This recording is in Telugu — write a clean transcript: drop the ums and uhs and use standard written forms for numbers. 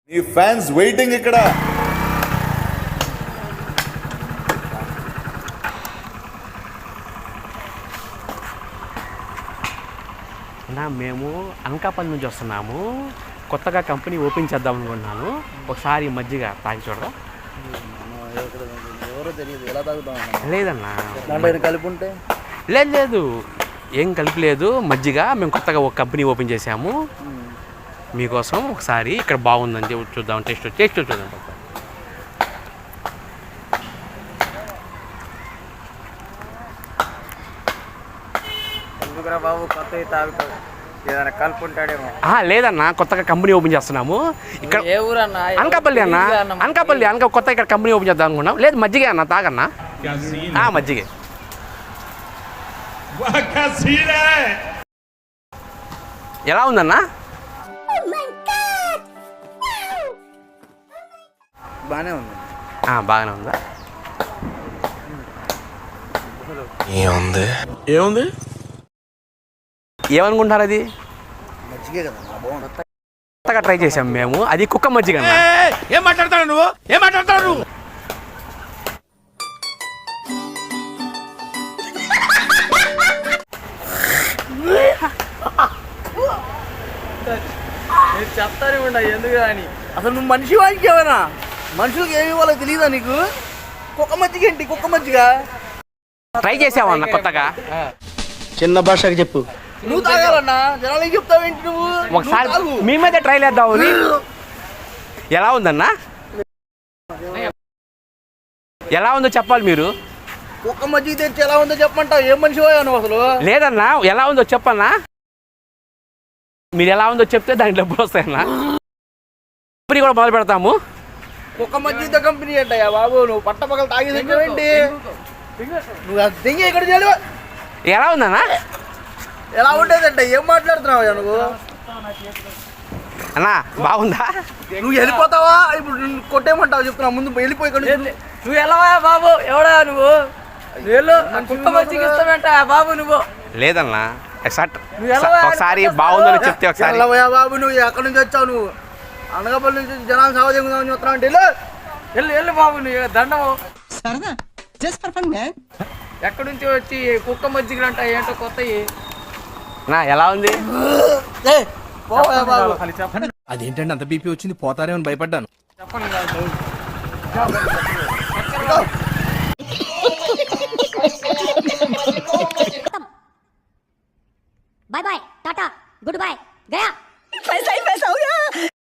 నీ ఫ్యాన్స్ వెయిటింగ్ ఇక్కడ. మేము అనకాపల్లి నుంచి వస్తున్నాము. కొత్తగా కంపెనీ ఓపెన్ చేద్దాం అనుకుంటున్నాను. ఒకసారి మజ్జిగ తాగి చూడరా. ఎవరో తెలియదు, ఎలా తాగుతాం? లేదన్నా, దాంట్లో కలిపి ఉంటే లేదు, ఏం కలిపి లేదు. మజ్జిగ మేము కొత్తగా ఒక కంపెనీ ఓపెన్ చేసాము. మీకోసం ఒకసారి ఇక్కడ బాగుందని చెప్పి చూద్దాం, టేస్ట్ చూద్దాం. ఎందుకురా బాబు, కొత్త తాగుతావు, ఏదైనా కలిపి ఉంటాడేమో. లేదన్నా, కొత్తగా కంపెనీ ఓపెన్ చేస్తున్నాము ఇక్కడ. ఏ ఊరన్నా? అనకాపల్లి అన్న, అనకాపల్లి కొత్త ఇక్కడ కంపెనీ ఓపెన్ చేద్దాం అనుకున్నాం. లేదు, మజ్జిగే అన్న, తాగన్నా. మజ్జిగే. ఎలా ఉందన్నా? బాగానే ఉంది. బాగానే ఉందా? ఏముంది ఏమనుకుంటారు? అది మజ్జిగే కదా, బాగుంది. కొత్తగా ట్రై చేసాం మేము. అది కుక్క మజ్జిగ. ఏం మాట్లాడతావు నువ్వు? నేను చెప్తానే ఉండా ఎందుకు అని. అసలు నువ్వు మనిషి వాడికి ఏమైనా మనుషులకు ఏమి ఇవ్వాలో తెలియదా నీకు? కుక్క మజ్జిగ ఏంటి? కుక్క మజ్జిగ ట్రై చేసావన్న కొత్తగా. చిన్న భాషకి చెప్పు. నువ్వు తాగాలన్నా, జనాలకి చెప్తావేంటి నువ్వు? ఒకసారి మీ మీద ట్రై చేద్దాం. ఎలా ఉందన్నా? ఎలా ఉందో చెప్పాలి మీరు. కుక్క మజ్జిగ తెచ్చి ఎలా ఉందో చెప్పమంటావు? ఏం మనిషి పోయావు నువ్వు అసలు? లేదన్నా, ఎలా ఉందో చెప్పన్నా. మీరు ఎలా ఉందో చెప్తే దాంట్లో డబ్బులు వస్తాయన్నా. కంపెనీ కూడా మొదలు పెడతాము. కుక్క మజ్జిగ కంపెనీ ఏంటయ్యా బాబు? నువ్వు పట్టపగలు తాగి ఏంటి? నువ్వు దింగి ఇక్కడ చేయలేవా? ఎలా ఉందన్నా? ఎలా ఉండేదంటే ఏం మాట్లాడుతున్నావు నువ్వు? అన్నా బాగుందా? నువ్వు వెళ్ళిపోతావా? ఇప్పుడు నిన్ను కొట్టేయమంటావు చెప్తున్నా. ముందు వెళ్ళిపోయి ఇక్కడ నువ్వు వెళ్ళవా బాబు? ఎవడా నువ్వు? కుక్క మజ్జిగ ఇస్తావేంట బాబు నువ్వు? లేదన్నా, ఒకసారి బాగుందని చెప్తే ఒకసారి. వెళ్ళవా బాబు? నువ్వు ఎక్కడి నుంచి వచ్చావు? నువ్వు అనకాపల్లి నుంచి జనాలు సావదేముందామని చెప్తున్నావు అంటే వెళ్ళు వెళ్ళు బాబు. నువ్వు దండము సరదా ఎక్కడి నుంచి వచ్చి కుక్క మజ్జిగలు అంట ఏంటో కొత్తవి. ఎలా ఉంది? అదేంటంటే అంత బీపీ వచ్చింది, పోతారేమని భయపడ్డాను. చెప్పండి. Bye bye ta-ta good bye गया पैसा ही पैसा हो गया।